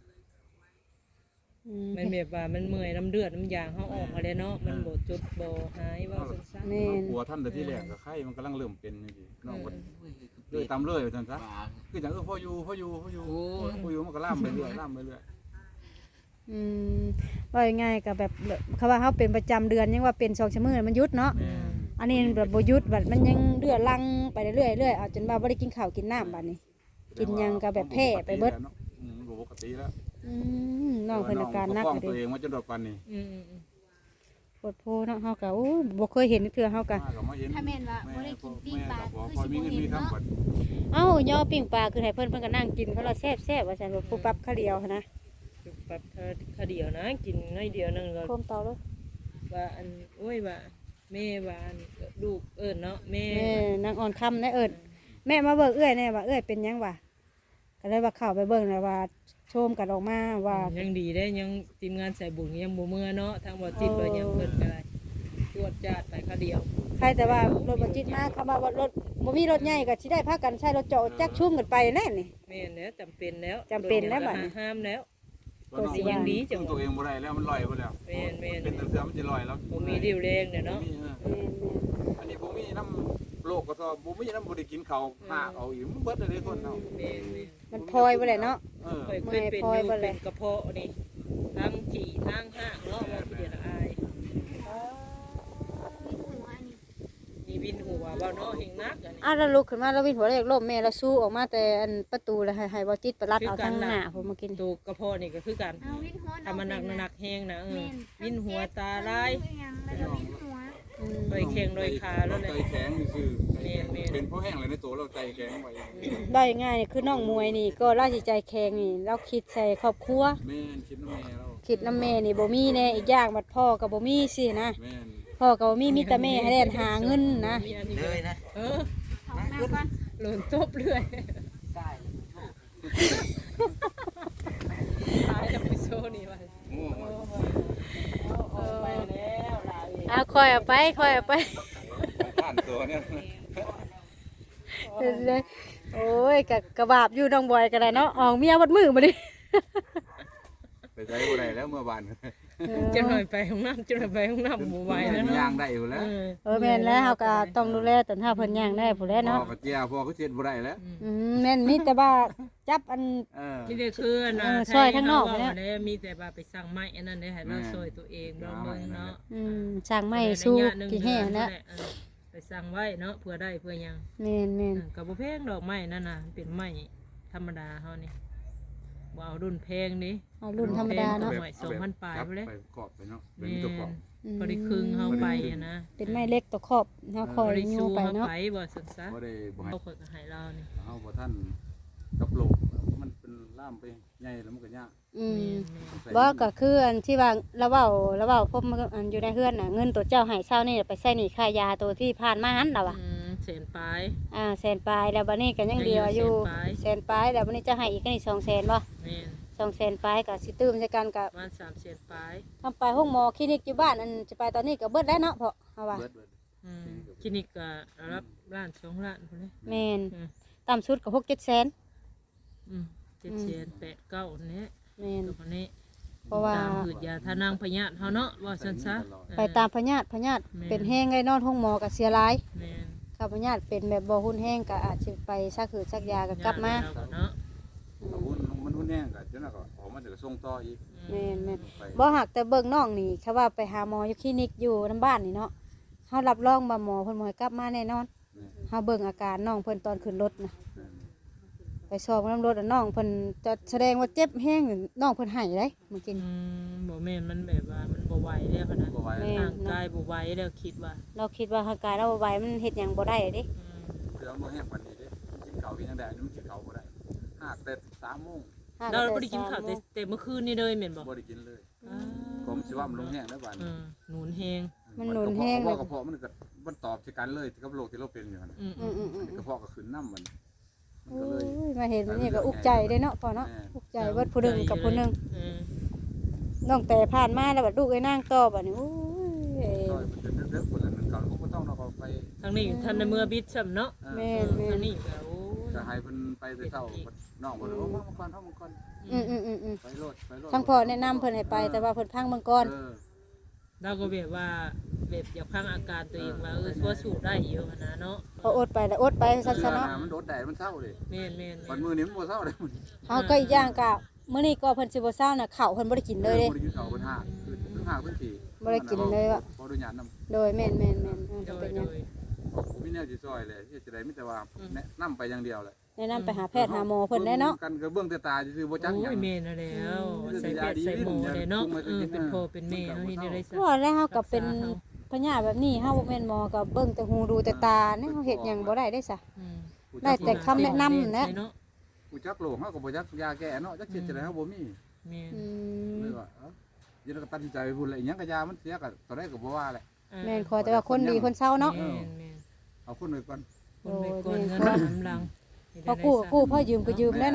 [SPEAKER 1] อืม
[SPEAKER 3] มันแบบว่ามันเมื่อยน้ำเลือดน้ำยางเฮาออกมาแล้วเนาะมันบ่จุดบ่หายเว่าซั่น
[SPEAKER 1] แม่น
[SPEAKER 5] กลัวท่านแต่ที่แรกก็ไข้มันกำลังเริ่มเป็นนี่ดิน้องก็เลยตามเลยว่าซั่นซะ
[SPEAKER 7] ปลา
[SPEAKER 5] คือจังเออพออยู่พออยู่พออยู่
[SPEAKER 7] โอ้ย
[SPEAKER 5] พออยู่มันก็ล่ามไปเรื่อยล่ามไปเรื่อย
[SPEAKER 1] อืมว่าง่ายๆก็แบบเขาว่าเฮาเป็นประจำเดือนยังว่าเป็นสองชั่วโมงมันหยุดเนาะ
[SPEAKER 5] แม่
[SPEAKER 1] อันนี้แบบบ่หยุดบัดมันยังเลือดลังไปเรื่อยๆเรื่อยเอาจนว่าบ่ได้กินข้าวกินน้ำบัดนี้ กินหยังก็แบบแพ้ไปเบิด
[SPEAKER 5] อืมบ่ปกติแล้ว
[SPEAKER 1] อืมน้องเพิ่นอาการหนัก
[SPEAKER 5] ป
[SPEAKER 1] เล
[SPEAKER 5] ตัวเอย งมาจนดอกปันนี่
[SPEAKER 3] อืมอืม
[SPEAKER 1] ปวดโพเนาะเฮาก็โอ้บ่เคยเห็นเทื่อเฮาก็
[SPEAKER 5] มาก็มาเห็น
[SPEAKER 6] ถ้าแม่นว่าบ่ได้กินปิ้งปลา
[SPEAKER 5] แม่
[SPEAKER 6] คือ
[SPEAKER 5] ก็
[SPEAKER 6] สิ
[SPEAKER 5] มี
[SPEAKER 6] บ่
[SPEAKER 5] เงิน
[SPEAKER 6] เห็
[SPEAKER 5] มี
[SPEAKER 6] น
[SPEAKER 5] คำ
[SPEAKER 6] เนาะ
[SPEAKER 5] บัด
[SPEAKER 1] เอ้าย่อปิ้งปลาคือให้เพิ่นเพิ่นก็นั่งกินเพราะเราแซ่บๆว่าซั่นว่าปุ๊บปั๊บข้าวเดียวหั้นนะ
[SPEAKER 3] จุกปับข้าวเดียวนะ กินน้อยเดียวนึงก็
[SPEAKER 1] พร้อมเตาเลย
[SPEAKER 3] ว่าอันโอ้ยว่าแม่ว่าอันลูกเอิ้นเนาะแม่
[SPEAKER 1] แม่นางอ่อนค่ำนะเอิ้นแม่มาเบิกเอื้อยแน่ว่าเอื้อยเป็นหยังวะก็เลยว่าเข้าไปเบิ่งแล้วว่าชมกันออกมาว่า
[SPEAKER 3] ยังดีได้ยังทีมงานใส่บุญยังบ่เมื่อเนาะทางบ่จิตบ่ยังเพิ่นก็ได้ตรวจจาดไปคาเดียว
[SPEAKER 1] ใครแต่ว่ารถบ่จิตมาเข้ามาว่ารถบ่มีรถใหญ่ก็สิได้พากันใช้รถเจาะจักชุ่มกันไปแน่นี่
[SPEAKER 3] แม่นแล้วจำเป็นแล้ว
[SPEAKER 1] จำเป็นแล้วบัดนี้
[SPEAKER 3] ห้ามแล้ว
[SPEAKER 5] ตัวน้อง
[SPEAKER 3] ยังดีจั
[SPEAKER 5] จั
[SPEAKER 3] ง
[SPEAKER 5] งตัวเองบ่ได้แล้วมันลอยไปแล้ว
[SPEAKER 3] แม่นแม่น
[SPEAKER 5] เป็นตะเสือมันสิลอยแล้ว
[SPEAKER 3] บ่มีดิวแรงเนี่ยเนาะ
[SPEAKER 5] บ่มีเออ
[SPEAKER 1] แม่น
[SPEAKER 5] อันนี้บ่มีน้ำโลกก็ซอบ่มีน้ำบ่ได้กินข้าวหากเอาอีกมันเบิดเลยคนเนาะ
[SPEAKER 3] แม่นแม่น
[SPEAKER 1] ๆมันพลอยบ่ได้เนาะ
[SPEAKER 5] เออ
[SPEAKER 3] เคยเคยเป็นอยู่เป็นกระเพาะนี่ทั้งจี่ทั้งห้างเนาะว่าเดี๋ยวละอาย
[SPEAKER 6] มีหัวนี่
[SPEAKER 3] มีวินหัวว่าเนาะเฮงนักอันนี้
[SPEAKER 1] อ้าวแล้วลุกขึ้นมาแล้ววิ่งหัวเลขล้มแม่แล้วสู้ออกมาแต่อันประตูแล้วให้ให้บ่จิตไปรัดเอาทางหน้าผมมากิน
[SPEAKER 3] ตัวกระเพาะนี่ก็คือกัน
[SPEAKER 6] เอาวินหัว
[SPEAKER 3] ถ้ามันหนักหนักแห้งนะเออ
[SPEAKER 6] แม่น
[SPEAKER 3] วินหัวตาลาย
[SPEAKER 6] ยังแล้วก็วินหัว
[SPEAKER 1] อืม
[SPEAKER 3] โดยแข้งโดยขาแล้วแหละ
[SPEAKER 5] ใจแข็งซื่อ
[SPEAKER 3] แม่นแม่น
[SPEAKER 5] เป็นเพราะแห้งเลยในตัวเราใจแข็งไว้
[SPEAKER 1] ได้ง่ายนี่คือน้องมวยนี่ก็ราชใจแข็งนี่เราคิดใส่ครอบครัว
[SPEAKER 5] แม่นคิดน้ำแม่เรา
[SPEAKER 1] คิดน้ำแม่นี่บ่มีแน่อีกอย่างบัดพ่อก็บ่มีสินะ
[SPEAKER 5] แม่น
[SPEAKER 1] พ่อก็บ่มีมีแต่แม่ให้เล่นหาเงินนะ
[SPEAKER 3] มีอันนี้
[SPEAKER 7] เลยนะ
[SPEAKER 3] เออ
[SPEAKER 6] ของแม่ก่อน
[SPEAKER 3] หล่นตบเรื่อยตายแล้วไปโซนี่ว่า
[SPEAKER 5] โง่มาก
[SPEAKER 3] เออไปแล้วลาอีก
[SPEAKER 1] เอาคอยเอาไปคอยเอาไป
[SPEAKER 5] ผ่านตัวเนี่ย
[SPEAKER 1] เลยโอ้ยกะกระบาบอยู่น้องบอยก็ได้เนาะออกเมียวัดมือมาดิ
[SPEAKER 5] ไปใช้บ่ได้แล้วเมื่อวาน
[SPEAKER 3] จะหน่อยไปห้องน้ำจะหน่อยไปห้องน้ำหมู่ไว้แล้ว
[SPEAKER 5] ย่า
[SPEAKER 3] เนาะ
[SPEAKER 5] งได้อยู่แล้ว
[SPEAKER 3] เออ
[SPEAKER 1] เออแม่นแล้วเฮาก็ต้องดูแลตอนเฮาเพิ่นย่างได้ผู้แล
[SPEAKER 5] พ่อ
[SPEAKER 1] เนาะ
[SPEAKER 5] ก็เจียพ่อก็เช็ดบ่ได้แล้ว
[SPEAKER 1] อืมแม่นมีแต่ว่าจับอัน
[SPEAKER 5] เออ
[SPEAKER 3] นี่เด้คือนะ
[SPEAKER 1] เออซอยข้างนอกไป
[SPEAKER 3] ไป
[SPEAKER 1] แล้ว
[SPEAKER 3] แล้วมีแต่ว่าไปสั่งไม้อันนั้นได้ให้เราซอยตัวเองเราเมืองเนาะ
[SPEAKER 1] อืมสร้างไม้สู้กี่แห่นะ
[SPEAKER 3] เออไปสั่งไว้เนาะเพื่อได้เพื่อหยัง
[SPEAKER 1] แม่นแม่น
[SPEAKER 3] เออกับบ่แพงดอกไม้นั่นน่ะเป็นไม้ธรรมดาเฮานี่บ่เอารุ่นแพงนี่
[SPEAKER 1] เอารุ่นธรรมดาเนาะ
[SPEAKER 3] หน่วยสองพันปลายไปเลย
[SPEAKER 5] ไปกรอบไปเนาะเป็นตัวกรอบ
[SPEAKER 1] อืม
[SPEAKER 3] พอได้ครึ่งเฮาไปอะนะ
[SPEAKER 1] เป็นไม้เล็กตัวครอบเฮาคอย
[SPEAKER 3] บ่ได้
[SPEAKER 1] ยู
[SPEAKER 3] สู้
[SPEAKER 1] ไป
[SPEAKER 3] เฮา
[SPEAKER 1] เนาะ
[SPEAKER 3] ไปบ่ซั่นซะ
[SPEAKER 5] บ่ได้บ่ให้
[SPEAKER 3] เขาคนก็ให้เรานี่
[SPEAKER 5] เฮาบ่ท่านกับโลกมันเป็นล่ามไปใหญ่แล้วมันก็ยาก
[SPEAKER 1] อืม
[SPEAKER 5] ใส่
[SPEAKER 1] บ่ก็คืออันที่ว่าเราเว้าเราเว้าพบอันอยู่ในเฮือนน่ะเงินตัวเจ้าให้เช้านี่ไปใช้หนี้ค่ายาตัวที่ผ่านมาหันล่ะว่ะ
[SPEAKER 3] อืมแสนปลาย
[SPEAKER 1] อ่าแสนปลายแล้วบัดนี้ก็ยังเหลืออยู่
[SPEAKER 3] ยังอยู่
[SPEAKER 1] แสนปลายแล้วบัดนี้จะให้อีกก็นี่สองแสนบ่
[SPEAKER 3] แม่น
[SPEAKER 1] สองแสนปลายก็สิตื้มใส่กันกับ
[SPEAKER 3] ประมาณสามแสนปลาย
[SPEAKER 1] ทำไปห้องหมอคลินิกอยู่บ้านอันจะไปตอนนี้ก็เบิดแล้วเนาะเพาะเอาว่า
[SPEAKER 5] เบิดเบิด
[SPEAKER 3] อืมคลินิกก็รับล้านสองล้านพุ่นเลย
[SPEAKER 1] แม่น
[SPEAKER 3] อืม
[SPEAKER 1] ต่ำสุดก็หกเจ็ดแสน
[SPEAKER 3] อืมเจ็ดแสนแปดเก้าอันนี้
[SPEAKER 1] แม่น
[SPEAKER 3] ตัวคนนี้
[SPEAKER 1] เพราะว่า
[SPEAKER 3] ตามหืดยาทานางพญาธิเฮาเนาะว่าซั่นซะ
[SPEAKER 1] ไปตามพญาติพญาติ
[SPEAKER 3] แม่น
[SPEAKER 1] เป็นแห้งไงนอนห้องหมอก็เสียหลาย
[SPEAKER 3] แม่น
[SPEAKER 1] ข้าพญาติเป็นแบบบ่หุ่นแห้งก็อาจสิไปซักหืดซักยาก็กลับมา
[SPEAKER 3] ญติเรเนาะ
[SPEAKER 5] เอาหุ้นมันหุ้นแห้งก็จนน่ะก็ออกมาเดี๋ยวส่งต่ออีก
[SPEAKER 1] แม่นแม่น
[SPEAKER 5] ไป
[SPEAKER 1] บ่หักแต่เบิ่งน้องนี่เขาว่าไปหาหมออยู่คลินิกอยู่น้ำบ้านนี่เนาะเฮารับรองว่าหมอเพิ่นบ่ให้กลับมาแน่นอนเฮาเบิ่งอาการน้องเพิ่นตอนขึ้นรถนะไปสอบน้ำรถอะน้องเพิ่นจะแสดงว่าเจ็บแห้งน้องเพิ่นให้เด้เมื่อกี้
[SPEAKER 3] อืมบ่แม่นมันแบบว่ามันบ่ไหวแล้วขนาด
[SPEAKER 5] บ่ไหว
[SPEAKER 1] แม่
[SPEAKER 3] ร่างกายบ่ไหวแล้วคิดว่า
[SPEAKER 1] เราคิดว่าร่างกายเราบ่ไหวมันเฮ็ดหยังบ่ได้เด้
[SPEAKER 3] อืม
[SPEAKER 5] เครื่องบ่แห้งปานนี้เด้กินข้าวกินจังได๋มันกินข้าวบ่ได้หากแต่สามโมง
[SPEAKER 3] เราบ่ได้กินข้าวแต่แต่เมื่อคืนนี่เลยแม่นบ่
[SPEAKER 5] บ่ได้กินเลย
[SPEAKER 3] อ่า
[SPEAKER 5] ผมสิว่ามันลงแห้งแล้วบาด
[SPEAKER 3] อื
[SPEAKER 5] นี้
[SPEAKER 3] มหนุนแฮง
[SPEAKER 1] มันหนุนแห้ง
[SPEAKER 5] ก
[SPEAKER 1] เล
[SPEAKER 5] ระ
[SPEAKER 1] ย
[SPEAKER 5] เพาะกระเพาะมันก็มันตอบสิกันเลยกับโรคที่เราเป็นอยู่นั่น
[SPEAKER 3] อืม
[SPEAKER 1] อืมอืมอืม
[SPEAKER 5] กระเพาะก็ขึ้นน้ำมันมัน
[SPEAKER 1] โอ้
[SPEAKER 5] ก็เลย
[SPEAKER 1] ยมาเห็นนี่ก็อุกใจเด้เนาะพ่อเนาะอุกใจเบิดผู้หนึงกับผู้หนึง
[SPEAKER 3] อืม
[SPEAKER 1] น้องแต่ผ่านมาแล้วบัดลูกไอ้นางต่อบัดนี้โอ้ย
[SPEAKER 5] ซอยมันจะเด้อๆคนละหนึงเขาก็บ่ต้องเนาะเขาไป
[SPEAKER 3] ทางนี้ท่านในเมื่อบิดซ้ำเนาะ
[SPEAKER 5] เออ
[SPEAKER 1] แม่นแม่
[SPEAKER 3] ทาน งนี้ก็โอ้ย
[SPEAKER 5] จะให้เพิ่นไปแต่เช้าน้องเพิ่นโอ้มาก่อนเฮามาก่อน
[SPEAKER 1] อืมอืมอืมอืม
[SPEAKER 5] ไปโลดไปโลด
[SPEAKER 1] ทั้งพ่อแนะนำเพิ่นให้ไปแต่ว่าเพิ่นพังเบิ่งก่อน
[SPEAKER 5] เออ
[SPEAKER 3] เราก็แบบว่าแบบอยากพังอาการตัวเองว่าเออว่าสู้ได้อยู่หั่นนะเนาะ
[SPEAKER 1] พออดไปแล้วอดไปซั่นซะเนาะ
[SPEAKER 5] มันโดดแดดมันเศร้าเลย
[SPEAKER 3] แม่นแม่น
[SPEAKER 5] วันมื้อนี้มันบ่เศร้าเลยมัน
[SPEAKER 1] เฮาก็อีกอย่างก็มื้อนี้ก็เพิ่นสิบ่เช้าน่ะข้าวเพิ่นบ่ได้กินเลยเด้
[SPEAKER 5] บ่ได้กินข้าวเพิ่นหาคือเพิ่นหาเพิ่นสิ
[SPEAKER 1] บ่ได้กินเลยว่ะ
[SPEAKER 5] บ่ได้หยังนำ
[SPEAKER 1] โดยแม่นแม่นแม่นเออ
[SPEAKER 3] โด
[SPEAKER 1] ก็
[SPEAKER 3] ย
[SPEAKER 1] เป็นห
[SPEAKER 3] โด
[SPEAKER 1] ยัง
[SPEAKER 3] ย
[SPEAKER 5] ผมมีแนวสิซอยเลยที่จะได้มีแต่ว่าแนะนำไปอย่างเดียวแหละ
[SPEAKER 1] แนะนำไปหาแพทย์หาหมอเพิ่นได้เนาะ
[SPEAKER 5] กันก็เบื้องแต่ตาซื่อๆบ่จักห
[SPEAKER 3] โอ้
[SPEAKER 5] ยัง
[SPEAKER 3] ยแม่นแล้วแล้วใส่เป็ดใส่หมูเลยเนาะเออเป็นพ่อเป็นแม่เฮานี่ได้ซะ
[SPEAKER 1] ว่าแล้วเฮาก็เป็นพญาแบบนี้เฮาบ่แม่นหมอก็เบิ่งแต่หูดูแต่ตาเนี่ยเฮาเฮ็ดหยังบ่ได้ได้ซะ
[SPEAKER 3] อืม
[SPEAKER 1] ได้แต่คำแนะนำนะ
[SPEAKER 3] เนาะ
[SPEAKER 5] กูจักโลกเฮาก็บ่จักยาแก้เนาะจักเฮ็ดจังได๋เฮาบ่มี
[SPEAKER 3] แม่น
[SPEAKER 1] อืม
[SPEAKER 5] เลยว่าเอ้าเดี๋ยวเราก็ตัดสินใจไปพุ่นแหละอีหยังก็ยามันเสียก็ตอนแรกก็บ่ว่าแหละ
[SPEAKER 1] แม่นขอแต่ว่าคนดีคนเศร้าเนาะ
[SPEAKER 3] แม่นแม่น
[SPEAKER 5] เอาคนไว้ก่อน
[SPEAKER 3] คนไปก่อนเงินน้ำลัง
[SPEAKER 1] พอกู้ก็กู้พอยืมก็ยืมได้เนาะ
[SPEAKER 3] แ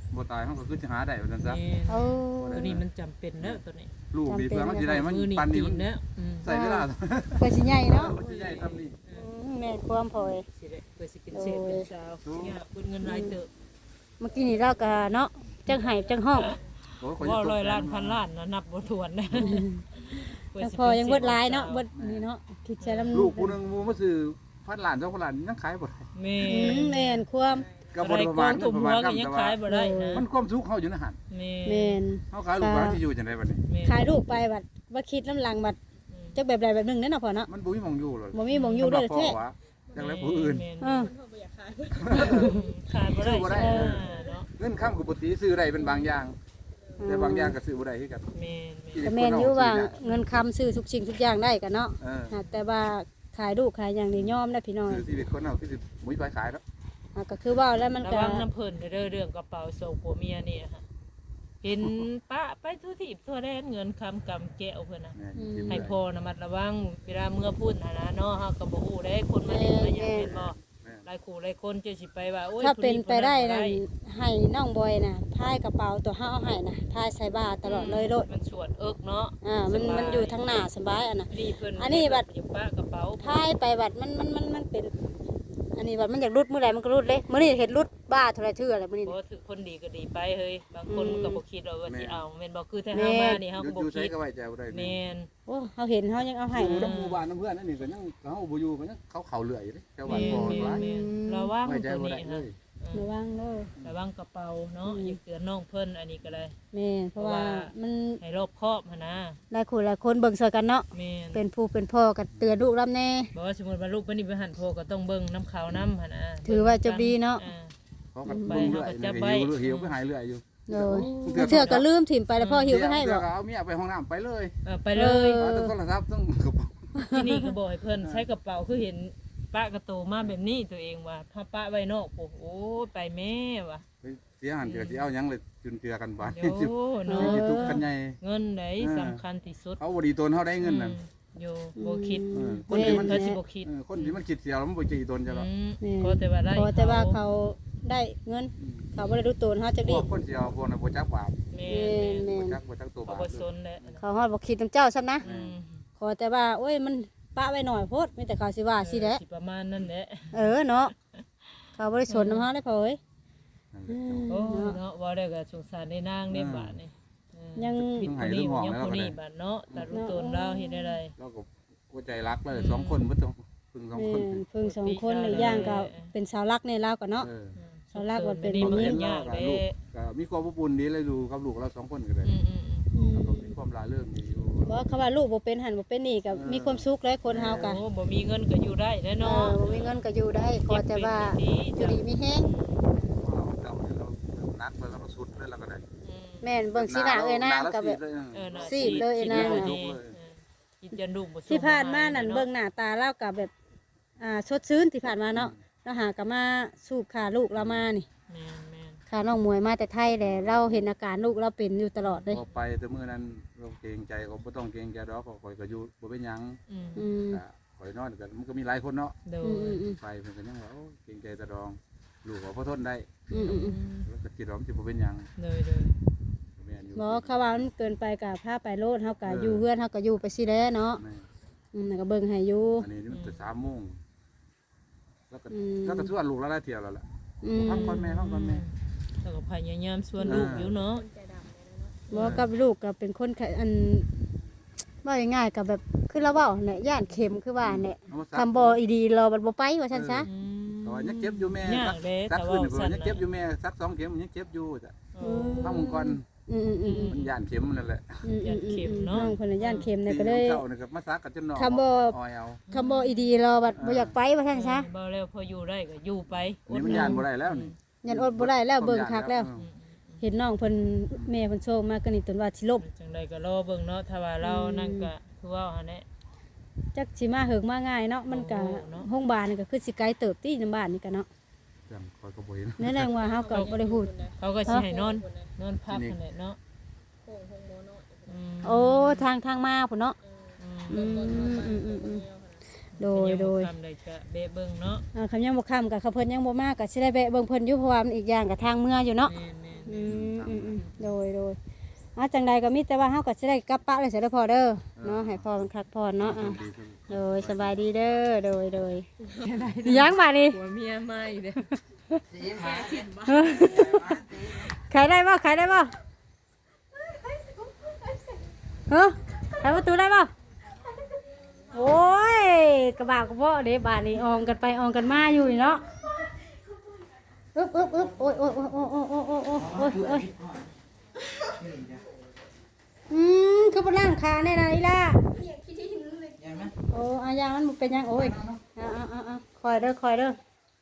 [SPEAKER 5] บ่ตายเขาก็คือสิหาได้ว่าซั่นซะ
[SPEAKER 3] แม่น
[SPEAKER 1] โอ้
[SPEAKER 3] ตัวนี้มันจำเป็นเด้อตัวนี้
[SPEAKER 5] ลูกนี่เพื่อมันสิได้มัน
[SPEAKER 3] มือนี่
[SPEAKER 5] ปัน
[SPEAKER 3] ตี
[SPEAKER 5] นี่มัน
[SPEAKER 3] นเด้ออืม
[SPEAKER 5] ใส่เวลา
[SPEAKER 1] เพื่อสิใหญ่เนาะ
[SPEAKER 5] มันสิใหญ่ทำนี่
[SPEAKER 1] อืมแม่นความพอย
[SPEAKER 3] สิได้เพื่อสิเป็นเศษเป็นสาวเนี่ยเพิ่นเงินรายเติบ
[SPEAKER 1] เมื่อกี้นี่เราก็เนาะจังไห้จังห้อง
[SPEAKER 5] โอ้ยขอย
[SPEAKER 3] ว่า
[SPEAKER 5] จะตก
[SPEAKER 3] ร้อย
[SPEAKER 5] ใจ
[SPEAKER 3] ล้านพันล้านนะนับบ่ถ้วนนะเพื่
[SPEAKER 1] แล้ว
[SPEAKER 3] สิ
[SPEAKER 1] พอยังเบิดหลาย
[SPEAKER 3] ป็
[SPEAKER 1] เนาะ
[SPEAKER 3] ศษ
[SPEAKER 1] เบิดนี่เนาะคิดใช้ลำ
[SPEAKER 5] ลูกผู้หนึงหมู่มาซื้อพันล้านสองพันล้านยังขายบ่ได้
[SPEAKER 3] แม่
[SPEAKER 1] อืมแม่นความ
[SPEAKER 5] ก็
[SPEAKER 3] บ่
[SPEAKER 5] บ่
[SPEAKER 3] ได้
[SPEAKER 5] ประ
[SPEAKER 3] ก
[SPEAKER 5] มา
[SPEAKER 3] อ
[SPEAKER 5] ณ
[SPEAKER 3] งถุง
[SPEAKER 5] ประ
[SPEAKER 3] หั
[SPEAKER 5] มาว ณ
[SPEAKER 3] ก็
[SPEAKER 5] กัน
[SPEAKER 3] ยัง
[SPEAKER 5] แต่ว่า
[SPEAKER 3] ขายบ่ได้นะ
[SPEAKER 5] มันความสุขเฮาอยู่ในหัน
[SPEAKER 3] แม่
[SPEAKER 1] แม่น
[SPEAKER 5] เฮาขายลูกหลานสิอยู่จังไดบัดนี้
[SPEAKER 3] แม่
[SPEAKER 1] ขายลูกไปบัดว่าคิดลำหลังบัดจักแบบใดแบบหนึงเด้อเนาะพ่อเนาะ
[SPEAKER 5] มันบ่มีหม่องอยู่เลย
[SPEAKER 1] บ่มีหม้องอยู่เลยแท้
[SPEAKER 5] จังไดผู้อื่น
[SPEAKER 3] แม่น
[SPEAKER 1] เออ
[SPEAKER 3] ขายบ่ได้
[SPEAKER 5] ซื้อบ่ได้
[SPEAKER 3] ใช่เนาะ
[SPEAKER 5] เงินค้ำกับปกติซื้อได้เป็นบางอย่าง แต่บางอย่างก็ซื้อบ่ได้คือกัน
[SPEAKER 3] แม่นแม่น
[SPEAKER 1] ก็แม่นอยู่ว่าเงินคำซื้อทุกสิ่งทุกอย่างได้กันเนาะ
[SPEAKER 5] เออ
[SPEAKER 1] อ่าแต่ว่าขายลูกขายอย่างนี้ยอมได้พี่น้อง
[SPEAKER 5] ซื้อชีวิตคนเฮาคือสิมุ้ยไปขายแล้ว
[SPEAKER 1] อ่าก็คือว่าแล้วมัน
[SPEAKER 3] ระ
[SPEAKER 1] ก็
[SPEAKER 3] วังน้ำเพิ่นเด้อเรื่องกระเป๋าส่งผัวเมียนี่ค่ะเห็นปะไปทุกที่ทั่วแดนเงินคำกำแก้วเพิ่นน่ะ
[SPEAKER 5] เนี่ยสิ
[SPEAKER 3] ให้
[SPEAKER 5] เมื่อย
[SPEAKER 3] พอระมัดระวังเวลาเมื่อพูดหานะเนาะเฮาก็บ่ฮู้ได้คนมาเล่นมาหยังเป็นบ่หลายคู่หลายคนจะสิไปว่าโอ้ย
[SPEAKER 1] ถ้าเป็นไปได้
[SPEAKER 3] ผู้
[SPEAKER 1] นั่น
[SPEAKER 3] ผู้
[SPEAKER 1] ให้น้องบอยน่ะพายกระเป๋าตัวเฮาเอาให้น่ะพายใส่บาตรตลอดเลยโลด
[SPEAKER 3] มันสวดเอิกเนาะ
[SPEAKER 1] อ่ามันมันอยู่ทางหน้าสบายอ่ะนะ
[SPEAKER 3] นี่เพิ่น
[SPEAKER 1] อันนี้บัด
[SPEAKER 3] อยู่ปะกระเป๋า
[SPEAKER 1] พายไปบัดมันมันมันมันเป็น อันนี้บัดมันอยากรุดมื้อใดมันก็รุดเลยมื้อนี้เฮ็ดรุดบ้าเท่าไรเทื่ออะไรมื้อนี้
[SPEAKER 3] บ่
[SPEAKER 1] น่ะ
[SPEAKER 3] ถือคนดีก็ดีไปเฮ้ยบางคน
[SPEAKER 1] อืม
[SPEAKER 3] ก็บ่คิดว่าว่าสิเอาแม่นบ่คือถ้า
[SPEAKER 1] แม่
[SPEAKER 3] เฮามานี่เฮา
[SPEAKER 5] อ
[SPEAKER 3] ก็บ่
[SPEAKER 5] ยู่ใช้
[SPEAKER 3] คิด
[SPEAKER 5] ก็ไว้ใจบ่ได้
[SPEAKER 3] แม่น
[SPEAKER 1] โอ้เฮาเห็นเฮายังเอาให้
[SPEAKER 5] อยู่
[SPEAKER 1] เนาะ
[SPEAKER 5] น้ำหมู่บ้านน้ำเพื่อนนั่นนี่ก็ยังเฮาบ่อยู่ก็ยังเขาเขาเลื่อยอยู่เด้แถวบ้าน
[SPEAKER 3] แม่
[SPEAKER 5] พ่อน
[SPEAKER 3] แม่
[SPEAKER 5] หลาย
[SPEAKER 3] นแม่นระวัง
[SPEAKER 5] ไว้ใจ
[SPEAKER 3] ตัว
[SPEAKER 5] บ่
[SPEAKER 3] นี้
[SPEAKER 5] ได้เล
[SPEAKER 3] ฮะ
[SPEAKER 5] ย
[SPEAKER 1] ระวังเด้อ
[SPEAKER 3] ระวังกระเป๋าเนาะ
[SPEAKER 1] อืม
[SPEAKER 3] อย่าเตือนน้องเพิ่นอันนี้ก็ได้
[SPEAKER 1] แม่นเพราะว่ามัน
[SPEAKER 3] ให้รอบคอบหั่นนะ
[SPEAKER 1] หลายคนหลายคนเบิ่งช่วยกันเนาะ
[SPEAKER 3] แม่น
[SPEAKER 1] เป็นผู้เป็นพ่อก็เตือนลูกรับแน่
[SPEAKER 3] บอกว่าสมมุติว่าลูกเพิ่นนี่ไปหันโทรก็ต้องเบิ่งน้ำขาวน้ำหั่นนะ
[SPEAKER 1] ถือว่าจะดีเนาะ
[SPEAKER 3] อ่
[SPEAKER 5] เขาก็เบิ่งเลื่อยนี่ก็หิวหิวไปหายเลื่อยอยู่
[SPEAKER 1] โดยเทื่อก็ลืมถิ่มไปแล้วพ่อหิวไปให้บ่
[SPEAKER 5] เดี๋ยวก็เอาเมียไปห้องน้ำไปเลย
[SPEAKER 3] เออไปเลย
[SPEAKER 5] เอาแต่โทรศัพท์ต้องกระเป๋า
[SPEAKER 3] ที่นี่ก็บอกให้เพิ่นใช้กระเป๋าคือเห็นป้ากระโตมาแบบนี้ตัวเองว่าถ้าป้าไว้นอกโอ้โหไปแม่ว่ะ
[SPEAKER 5] ไปเสียหันเดี๋ยวสิเอาหยังเลยจุนเจือกันบาด
[SPEAKER 3] โย
[SPEAKER 5] สิ
[SPEAKER 3] เนาะ
[SPEAKER 5] สิทุกข์กันใหญ่
[SPEAKER 3] เงินไหนสำคัญที่สุด
[SPEAKER 5] เขาบ่ดีตนเขาได้เงินน่ะ
[SPEAKER 3] อืมโยบ่คิด
[SPEAKER 5] เออ
[SPEAKER 3] คนอื่นเขาสิบ่คิด
[SPEAKER 5] เออคนที่มันคิดเสียแล้วมันบ่ใจตนจะหรอก
[SPEAKER 3] อืม
[SPEAKER 1] นี่
[SPEAKER 3] ขอแต่ว่าได้
[SPEAKER 1] ขอแต่ว่าเขาได้เงิน เขาบ่ได้รู้ตัวเฮาจัก
[SPEAKER 5] พ
[SPEAKER 1] ดี
[SPEAKER 5] วกคนเสียพวกน่ะบ่จักบาป
[SPEAKER 3] แม่
[SPEAKER 1] แม่
[SPEAKER 3] น
[SPEAKER 1] น
[SPEAKER 5] บ่จักบ่จักตัว
[SPEAKER 3] เขา
[SPEAKER 5] บาป
[SPEAKER 3] บ่สนแหละ
[SPEAKER 1] เขาฮอดบ่คิดนํเจ้าซ้ำนะ
[SPEAKER 3] อืม
[SPEAKER 1] ขอแต่ว่าโอ้ยมันปะไว้หน่อยโพดมีแต่เขาสิว่าสิแหละ
[SPEAKER 3] สิประมาณนั้นแหละ
[SPEAKER 1] เออเนาะเขาบ่ได้สนนำเฮาเลยพ่อเอ้ย
[SPEAKER 3] โอ้ยเนาะว่าได้ก็สงสารในนางในบาทนี่เออ
[SPEAKER 1] ยัง
[SPEAKER 3] ผิดคนนี้ยังคนนี้บาทเนาะแต่รู้ตนเราเฮ็ดได้ไร
[SPEAKER 5] เราก็หัวใจรักเลยสองคนบ่ต้องพึ่งสอง
[SPEAKER 1] แม่
[SPEAKER 5] คน
[SPEAKER 1] นเพิ่งสองคนอีกอย่างก็เป็นสาวรักในลาวก็เนาะ
[SPEAKER 5] เออ
[SPEAKER 1] เขาลากว่าเป็น
[SPEAKER 3] นี่
[SPEAKER 1] บ่
[SPEAKER 3] มัน
[SPEAKER 1] มี
[SPEAKER 3] ก็
[SPEAKER 5] เห็น
[SPEAKER 3] ยาก
[SPEAKER 5] กับ
[SPEAKER 3] เด้
[SPEAKER 5] ลูกก็มีความอบอุ่นดีเลยดูกับลูกเราสองคนก็ได้
[SPEAKER 3] อืมอืมอืม
[SPEAKER 1] อืม
[SPEAKER 5] แล้วก็มีความลาเรื่องดีอยู่
[SPEAKER 1] บ่คำว่าลูกบ่เป็นหันบ่เป็นนี่ก็มีความสุขเลยคนเฮาก็
[SPEAKER 3] โอ้บ่มีเงินก็อยู่ได้แน่
[SPEAKER 1] เอ
[SPEAKER 3] เนาะ
[SPEAKER 1] อบ่มีเงินก็อยู่ได้ขอแต่ว่าอยู่ดีมีแฮง
[SPEAKER 5] เราเจ้าเนี่ยเรานักแล้วเราก็สุดเลยเราก็ได้
[SPEAKER 3] อืม
[SPEAKER 1] แม่นเบิ่งสีหน้าเอ้ยนางก็แบบ
[SPEAKER 3] เออน่ะ
[SPEAKER 1] ซีดเลยไอ้นาง
[SPEAKER 3] ซีด
[SPEAKER 1] น่ะ
[SPEAKER 3] เลยเออกินจนลูกบ่สู้
[SPEAKER 1] ที่ผ่านมานั่นเบิ่งหน้าตาเราก็แบบอ่าสดชื่นที่ผ่านมาเนาะเราหาก็มาสูบขาลูกเรามานี่
[SPEAKER 3] แม่นแม่น
[SPEAKER 1] ขาน้องมวยมาแต่ไทยแหละเราเห็นอาการลูกเราเป็นอยู่ตลอดเลย
[SPEAKER 5] พอไปแต่มื้อนั้นเราเกรงใจเขาบ่ต้องเกรงใจดอกข่อยก็อยู่บ่เป็นหยัง
[SPEAKER 3] อืม
[SPEAKER 1] อืม
[SPEAKER 5] ก็ข่อยนอนกันมันก็มีหลายคนเนาะ
[SPEAKER 3] โด
[SPEAKER 1] อื
[SPEAKER 3] ย
[SPEAKER 1] มอืมอืม
[SPEAKER 5] ไปเพิ่นก็ยังว่าโอ้เกรงใจตะดองลูกก็พอทนได้
[SPEAKER 1] อืมอืมอืม
[SPEAKER 5] แล้วก็คิดว่ามันสิบ่เป็นหยัง
[SPEAKER 3] โดยโดย
[SPEAKER 5] แม่นอยู่
[SPEAKER 1] บ่เขาว่ามันเกินไปก็พาไปโลดเฮาก็อยู่เฮือนเฮาก็อยู่ไปสิแลเนาะ
[SPEAKER 5] แม่
[SPEAKER 1] อืมแล้วก็เบิ่งให้อยู่
[SPEAKER 5] อันนี้มันจะสามโมงแล้วก็
[SPEAKER 1] อืม
[SPEAKER 5] แล้วก็ชวนลูกแล้วได้เที่ยวแล้วล่ะ
[SPEAKER 1] อืม
[SPEAKER 5] พักก่อนแม่พักก่อนแม่
[SPEAKER 3] แล้วก็พยายามชวนลูกอยู่เนาะ
[SPEAKER 1] บ่กับลูกก็เป็นคนขะอันว่าง่ายๆก็แบบคือเราเว้าเนี่ยย่านเข็มคือว่าเนี่ย
[SPEAKER 5] เอามาซัก
[SPEAKER 1] คำบ่อีดีเราบัดบ่ไปว่าซั่นซะ
[SPEAKER 3] อืม
[SPEAKER 5] แต่ว่ายังเจ็บอยู่แม่
[SPEAKER 3] ยา
[SPEAKER 5] ซั
[SPEAKER 3] ก
[SPEAKER 5] ก
[SPEAKER 3] เด้
[SPEAKER 5] ซัก
[SPEAKER 3] แต่
[SPEAKER 5] ขึ้น
[SPEAKER 3] ว่า
[SPEAKER 5] นี่
[SPEAKER 3] สั้น
[SPEAKER 5] ยังเจ็บอยู่แม่ซักสองเข็มมันยังเจ็บอยู่จ้ะ
[SPEAKER 3] โอ้
[SPEAKER 5] พักมึงก่อน
[SPEAKER 1] อืมอืมอืมอืม
[SPEAKER 5] มันย่านเข็มนั่นแหละ
[SPEAKER 1] อืมอืมอื
[SPEAKER 3] ย่านเข็ม
[SPEAKER 1] ม
[SPEAKER 3] เนาะ
[SPEAKER 1] น้องเพิ่นน่ะย่านเข็มเนี่ยก็เลย
[SPEAKER 5] เจ้านี่ก็มาซักกันจนหนอ
[SPEAKER 1] คำบ่
[SPEAKER 5] ออยเอา
[SPEAKER 1] คำบ่อีดีเราบัดบ่อยากไปว่าซั่นซะ
[SPEAKER 3] บ่แล้วพออยู่ได้ก็อยู่ไป
[SPEAKER 5] นี่มันย่านบ่ได้แล้วนี่
[SPEAKER 1] ยันอดบ่ได้แล้วเบิ่งคักแล้ว
[SPEAKER 5] อืม
[SPEAKER 1] เห็นน้องเพิ่นแม่เพิ่นโชว์มาก็นี่ตนว่าสิลบ
[SPEAKER 3] จังใดก็รอเบิ่งเนาะถ้าว่าเรานั่นก็คือว่าหั่นแหละ
[SPEAKER 1] จักสิมาเหิงมาง่ายเนาะมันก็
[SPEAKER 3] โอ้โหเนาะ
[SPEAKER 1] โรงบาลนี่ก็คือสิไกลเติบตีนํบ้านนี่ก็เนาะ
[SPEAKER 5] จังคอยก็บ่เห็น
[SPEAKER 1] นั่นแหละว่าเฮาก็บ่ได้พูด
[SPEAKER 3] เขาก็สิให้นอนนอนพักนั่นแหละเนาะอืม
[SPEAKER 1] โอ้ทางทางมาพุ่นเนาะ
[SPEAKER 3] อืม
[SPEAKER 1] อืมอืมอืมอืมโดยโดย
[SPEAKER 3] ทำได้ก็เบะเบิ่งเนาะ
[SPEAKER 1] อ่าคำยังบ่ค้ำกับเขาเพิ่นยังบ่มาก็สิได้แวะเบิ่งเพิ่นอยู่เพราะว่ามันอีกอย่างกับทางเมื่ออยู่เนาะ
[SPEAKER 3] แม่นๆ
[SPEAKER 1] อืมอืมอืมโดยโดยอ่ะจังใดก็มีแต่ว่าเฮาก็สิได้กลับปะเลยเสิเด้อพ่อเด้อเนาะให้พ่อมันคักพรเนาะอ่ะโดยสบายดีเด้อโดยโดยยังบาดนี้
[SPEAKER 3] หัวเมียมาอีกเด้อ
[SPEAKER 1] ขายได้บ่ขายได้บ่เฮ้อขายประตูได้บ่โอ้ยกระบะกระเบาะเด้บาดนี้ออมกันไปออมกันมาอยู่นี่เนาะอึ๊บอึ๊บอึ๊บโอ้ยโอ้ยโอ้ยโอ้ยโอ้ยโอ้ยโอ้ยโอ้ยโอ้ยอืมคือบ่ล้างขาแน่นะอีล่ะ
[SPEAKER 7] ยังไหม
[SPEAKER 1] โอ้อายางมันบ่เป็นหยังโอ้ยเอาเอาเอาเอาคอยเด้อคอยเด้อ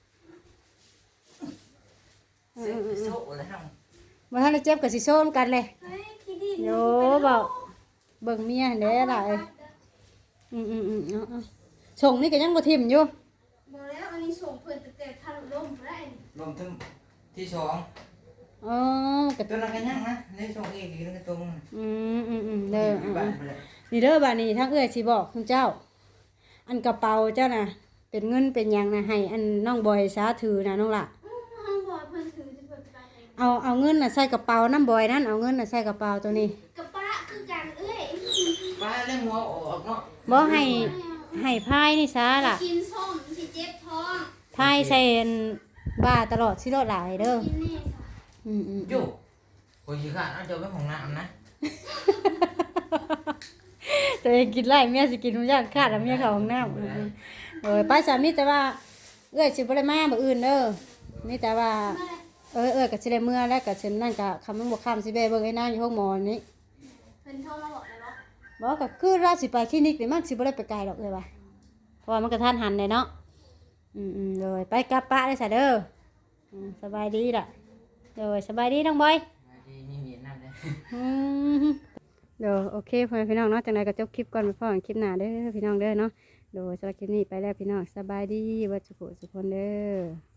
[SPEAKER 7] โซ่แล้ว
[SPEAKER 1] มาทันได้เจ็บกับสิโซนกันเลยโยบอกเบิ่งเมียเด้อล่ะเอ้ยอืมอืมอืมเอาเอาส่งนี่ก็ยังบ่ทิ่มอยู่
[SPEAKER 6] บอกแล้วอันนี้ส่งเพิ่นแต่แต่ทะลุลมบ่ได้
[SPEAKER 7] รวมถึงที่สอง
[SPEAKER 1] อ๋อก็
[SPEAKER 7] ตัวนั้นก็ยังนะในสองอีกอีกนึงก็ตรง
[SPEAKER 1] อืมอืมอืมเด้ออ่า
[SPEAKER 7] บ้าน
[SPEAKER 1] อ่า
[SPEAKER 7] ไปเลย
[SPEAKER 1] นี่เด้อบัดนี้ทางเอื้อยสิบอกคุณเจ้า อันกระเป๋าเจ้าน่ะ เป็นเงินเป็นหยังน่ะให้อันน้องบอยสาถือน่ะน้องล่ะ
[SPEAKER 6] ห้องบอกเพิ่นถือจะเปิดไปไหน
[SPEAKER 1] เอาเอาเงินน่ะใส่กระเป๋าน้ำบอยนั่นเอาเงินน่ะใส่กระเป๋าตัวนี้
[SPEAKER 6] กระปะคือกันเอ้ย
[SPEAKER 7] บ้านเรื่องหัวออกเนาะ
[SPEAKER 1] บ่ให้ให้พายนี่ซะล่ะ
[SPEAKER 6] กินส้มสิเจ็บท้อง
[SPEAKER 1] พายใส่อันบ้าตลอดสิรอดหลายเด้อ
[SPEAKER 6] กินแน่ค่ะ
[SPEAKER 1] อืมอืม
[SPEAKER 7] จู่โอ้ยขาดเอาเจ้าไปของน้ำนะ
[SPEAKER 1] ตัวเองกินไล่เมียสิกินทุกอย่างขาดแล้วเมียเข้าห้องน้ำเออไปสามีแต่ว่าเอ้อยสิบ่ได้มามื้ออื่นเด้อมีแต่ว่าเออเออก็สิได้เมื่อแล้วก็สินั่นก็คำมันบ่ค้ำสิไปเบิ่งไอ้นางอยู่ห้องหมอนี่
[SPEAKER 6] เพิ่นโทรมาบอกแล้วเนาะ
[SPEAKER 1] บอกก็คือเราสิไปคลินิกนี่มันสิบ่ได้ไปไกลหรอกเอ้ยว่าเพราะว่ามันก็ทันหันเลยเนาะอืมอืมเลยไปกลับปะได้ซะเด้ออืมสบายดีล่ะโดยสบายดีน้องบอย
[SPEAKER 7] ดีมีมีน้ำเลย
[SPEAKER 1] อืมเดี๋ยวโอเคพ่อแม่พี่น้องเนาะจังไดก็จบคลิปก่อนไปพ่อกันคลิปหน้าเด้อพี่น้องเด้อเนาะโดยสำหรับคลิปนี้ไปแล้วพี่น้องสบายดีวัดสุขสุขคนเด้อ